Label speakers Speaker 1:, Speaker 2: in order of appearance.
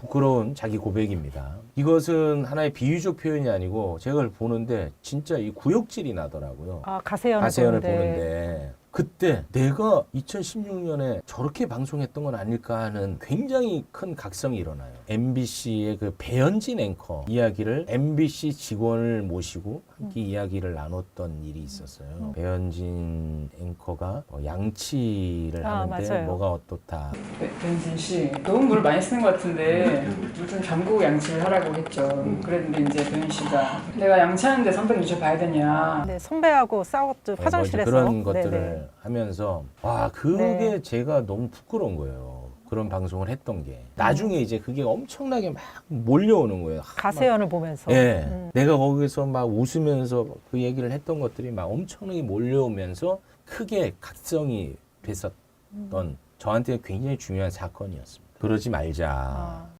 Speaker 1: 부끄러운 자기 고백입니다. 이것은 하나의 비유적 표현이 아니고 제가 그걸 보는데 진짜 이 구역질이 나더라고요.
Speaker 2: 아, 가세연을
Speaker 1: 가세연을
Speaker 2: 보는데.
Speaker 1: 보는데 그때 내가 2016년에 저렇게 방송했던 건 아닐까 하는 굉장히 큰 각성이 일어나요. MBC의 그 배현진 앵커 이야기를 MBC 직원을 모시고 함께 이야기를 나눴던 일이 있었어요. 배현진 앵커가 양치를 하는데
Speaker 2: 맞아요.
Speaker 1: 뭐가 어떻다.
Speaker 3: 변진 씨 너무 물을 많이 쓰는 것 같은데 물 좀 잠그고 양치를 하라고 했죠. 그랬는데 이제 변진 씨가 내가 양치하는데 선배를 눈쳐봐야 되냐.
Speaker 2: 네, 선배하고 싸웠죠. 화장실에서.
Speaker 1: 그런 것들을
Speaker 2: 네네.
Speaker 1: 하면서 와 그게
Speaker 2: 네.
Speaker 1: 제가 너무 부끄러운 거예요. 그런 방송을 했던 게 나중에 이제 그게 엄청나게 막 몰려오는 거예요.
Speaker 2: 가세연을 보면서.
Speaker 1: 예, 내가 거기서 막 웃으면서 그 얘기를 했던 것들이 막 엄청나게 몰려오면서 크게 각성이 됐었던 저한테 굉장히 중요한 사건이었습니다. 그러지 말자.